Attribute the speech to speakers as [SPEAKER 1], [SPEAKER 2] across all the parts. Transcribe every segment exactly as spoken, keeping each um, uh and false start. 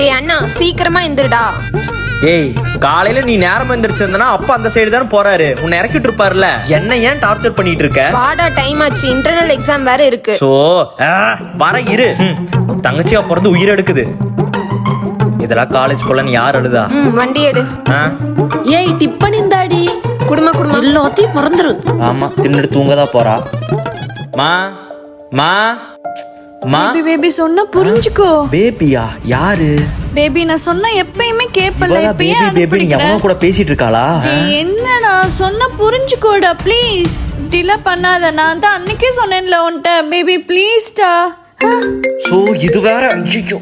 [SPEAKER 1] டேய் அண்ணா சீக்கிரமா எந்திரடா.
[SPEAKER 2] ஏய் காலையில நீ நேரம் எந்திரிச்சிருந்தனா அப்பா அந்த சைடு தானே போறாரு, உன்னை இறக்கிட்டு இருப்பாருல, என்ன ஏன் டார்ச்சர் பண்ணிட்டு இருக்க?
[SPEAKER 1] வாடா டைம் ஆச்சு, இன்டர்னல் எக்ஸாம் வேற இருக்கு.
[SPEAKER 2] சோ வர இரு. தங்கச்சியா பிறந்து உயிர் எடுக்குது. இதெல்லாம் காலேஜ் போலன்னு யார் அழுதா?
[SPEAKER 1] ம் வண்டி எடு.
[SPEAKER 3] ஏய் டிப்பன் இந்தாடி.
[SPEAKER 1] குடும்ப குடும்ப
[SPEAKER 3] எல்லாத்தையும் மறந்துரு.
[SPEAKER 2] ஆமா தின்னுட்டு தூங்கதான் போறா. மா மா மா
[SPEAKER 4] பேபி பேபி சொன்னா புரிஞ்சுக்கோ.
[SPEAKER 2] பேபியா? யாரு
[SPEAKER 4] பேபி? நான் சொன்னா எப்பயுமே கேப்பல,
[SPEAKER 2] இவளா
[SPEAKER 4] இப்பயே
[SPEAKER 2] பேபி பேபி? நீ எவனோ கூட பேசிட்டு இருக்காளா?
[SPEAKER 4] டேய் என்னடா சொன்னா புரிஞ்சுக்கோடா ப்ளீஸ். டிலே பண்ணாத, நான் தான் அன்னைக்கே சொன்னேன்ல உன்கிட்ட. பேபி ப்ளீஸ்டா.
[SPEAKER 2] சோ இது வேற. ஐயோ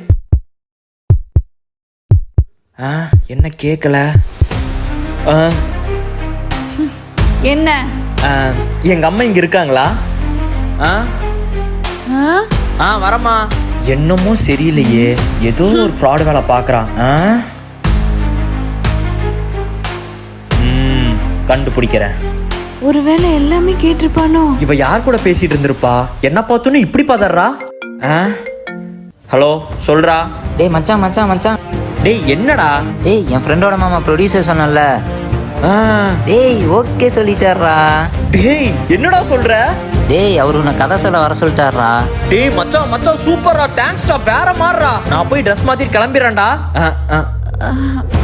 [SPEAKER 2] ஆ என்ன கேக்கல? ஆ
[SPEAKER 4] என்ன?
[SPEAKER 2] ஆ, எங்க அம்மா இங்க இருக்காங்களா? ஆ
[SPEAKER 4] ஆ?
[SPEAKER 2] ஆ வரமா. என்னமோ சரியில்லையே, ஏதோ ஒரு ஃப்ராட் வேலை பாக்குறான். ம் கண்டுபிடிக்கிறேன்.
[SPEAKER 4] ஒருவேளை எல்லாமே கேட்டிருப்பானோ?
[SPEAKER 2] இவ யார் கூட பேசிட்டு இருந்திருப்பா? என்ன பார்த்தோன்னு இப்படி பதறா? ஹலோ சொல்றா.
[SPEAKER 5] டேய் மச்சான் மச்சான் மச்சான்.
[SPEAKER 2] டேய் என்னடா?
[SPEAKER 5] டேய் என் ஃப்ரெண்டோட மாமா ப்ரொடியூசர் சொன்னல.
[SPEAKER 2] ஆ
[SPEAKER 5] டேய் ஓகே சொல்லிட்டாரா.
[SPEAKER 2] டேய் என்னடா சொல்ற?
[SPEAKER 5] டேய் அவரு உன்னை கதை சொல்ல வர சொல்லிட்டாரா.
[SPEAKER 2] டேய் மச்சான் மச்சான் சூப்பரா, தேங்க்ஸ்டா, வேற மாறுறா. நான் போய் ட்ரெஸ் மாத்திட்டு கிளம்பிடுறேன்டா.